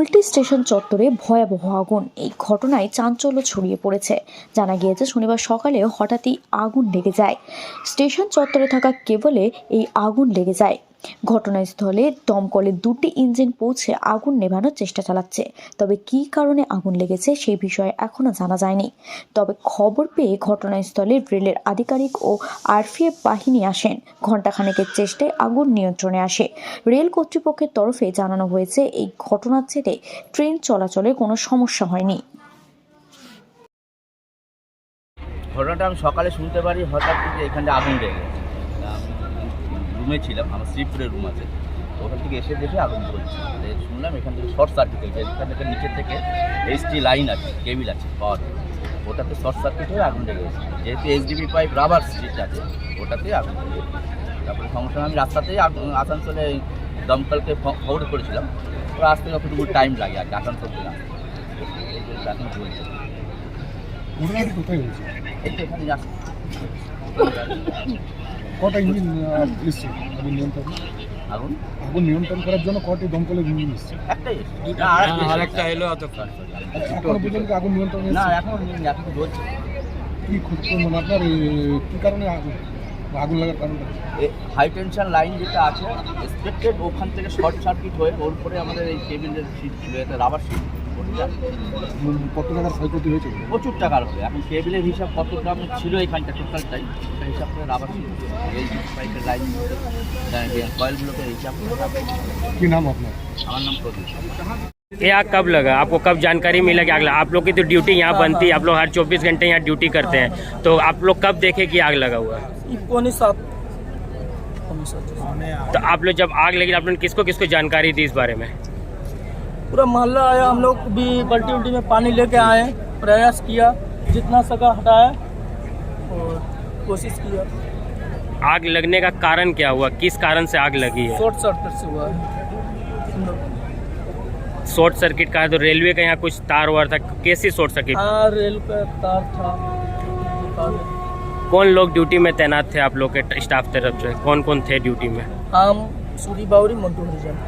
Kulti station চত্বরে ভয়াবহ আগুন। এই ঘটনায় চাঞ্চল্য ছড়িয়ে পড়েছে। জানা গিয়েছে শনিবার সকালে হঠাৎই আগুন লেগে যায়। স্টেশন চত্বরে থাকা কেবলে এই আগুন লেগে যায়। ঘটনাস্থলে দমকলের 2টি ইঞ্জিন পৌঁছে আগুন নেভানোর চেষ্টা চালাচ্ছে। তবে কী কারণে আগুন লেগেছে সেই বিষয়ে এখনও জানা যায়নি। তবে খবর পেয়ে ঘটনাস্থলে রেলের আধিকারিক ও আরপিএফ বাহিনী আসেন। ঘণ্টাখানেকের চেষ্টায় আগুন নিয়ন্ত্রণে আসে। রেল কর্তৃপক্ষের তরফে জানানো হয়েছে এই ঘটনার জেরে ট্রেন চলাচলে কোনো সমস্যা হয়নি। ঘটনাটা আমি সকালে শুনতে পারি হঠাৎ থেকে এখানে আগুন লেগে গেছে। রুমে ছিলাম, আমার শ্রীপুরের রুম আছে, তো ওখান থেকে এসে দেখে আগুন জ্বলছে। শুনলাম এখান থেকে শর্ট সার্কিট হয়েছে। এখান থেকে নিচে থেকে এইচটি লাইন আছে, কেবিল আছে পাওয়ার, ওটাতে শর্ট সার্কিট হয়ে আগুন লেগে গেছে। যেহেতু এইচডিবি পাইপ রাবার স্ট্রিট আছে, ওটাতেই আগুন লেগে গেছে। তারপরে সমস্যা আমি রাস্তাতেই আসানসোলে দমকলকে খবর করেছিলাম, ওরা আসতে যতটুকু টাইম লাগে আর কি আসানসোল থেকে এখন চলছে। কোথায় হয়েছে? এখানে আসছে। কটা ইঞ্জিন এসছে আগুন নিয়ন্ত্রণ? আগুন নিয়ন্ত্রণ করার জন্য কটি দমকলের ইঞ্জিন এসছে? একটাই আরেকটা এলো এতক্ষণ। এখনো পর্যন্ত আগুন নিয়ন্ত্রণ না, এখন চলছে। কি মানে আপনার কী কারণে আগুন লাগার কারণটা? হাই টেনশন লাইন যেটা আছে এক্সপেক্টেড, ওখান থেকে শর্ট সার্কিট হয়ে ওর পরে আমাদের এই কেবিলের সিট ছিল, এটা রাবার সিট। কত টাকার ক্ষয়ক্ষতি হয়েছে? প্রচুর টাকার হবে। এখন কেবিলের হিসাব কত গ্রাম ছিল এখানটা টোটালটাই, সেটা হিসাব করে রাবার সিট এই পাইপের লাইন কয়েলগুলোকে হিসাব করে। কী নাম আপনার? আমার নাম প্রদীপ। ये आग कब लगा? आपको कब जानकारी मिला कि आग लगा? आप लोग की तो ड्यूटी यहाँ बनती है, आप लोग हर 24 घंटे यहाँ ड्यूटी करते हैं, तो आप लोग कब देखे कि आग लगा हुआ है? तो आप लोग जब आग लगी आप लोगों ने किसको किसको जानकारी दी इस बारे में? पूरा मोहल्ला आया, हम लोग भी बल्टी उल्टी में पानी लेके आए, प्रयास किया, जितना सका हटाया और कोशिश किया। आग लगने का कारण क्या हुआ? किस कारण से आग लगी है? शॉर्ट सर्किट से हुआ है। शॉर्ट सर्किट का है तो रेलवे का यहाँ कुछ तार वार था, कैसी शॉर्ट सर्किट? हाँ, रेल का तार था। कौन लोग ड्यूटी में तैनात थे आप लोग के स्टाफ तरफ से? कौन कौन थे ड्यूटी में? हम सूरी बावरी मंटू हरिजन।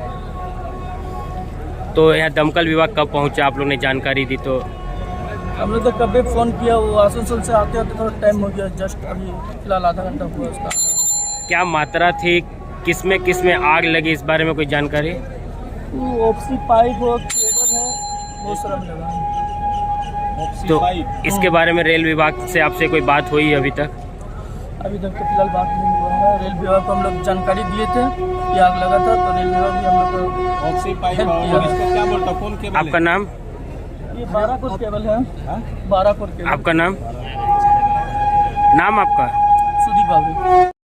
तो यहाँ दमकल विभाग कब पहुँचा? आप लोग ने जानकारी दी तो? हमने तो कभी फ़ोन किया, वो आसनसोल से आते आते थोड़ा टाइम हो गया, जस्ट अभी फिलहाल आधा घंटा हुआ उसका। क्या मात्रा थी, किस में आग लगी, इस बारे में कोई जानकारी? वो ऑप्सी पाइप और केबल है, बहुत सारा लगा है। तो इसके बारे में रेल विभाग से आपसे कोई बात हुई अभी तक? अभी तक तो फिलहाल बात नहीं हुआ है। रेल विभाग को हम लोग जानकारी दिए थे कि आग लगा था, तो रेल विभाग भी हम लोग को क्या बोलता कौन केबल? आपका नाम? ये 12 कोर केबल है। 12 कोर केबल। आपका नाम? नाम आपका? सूरी बावरी।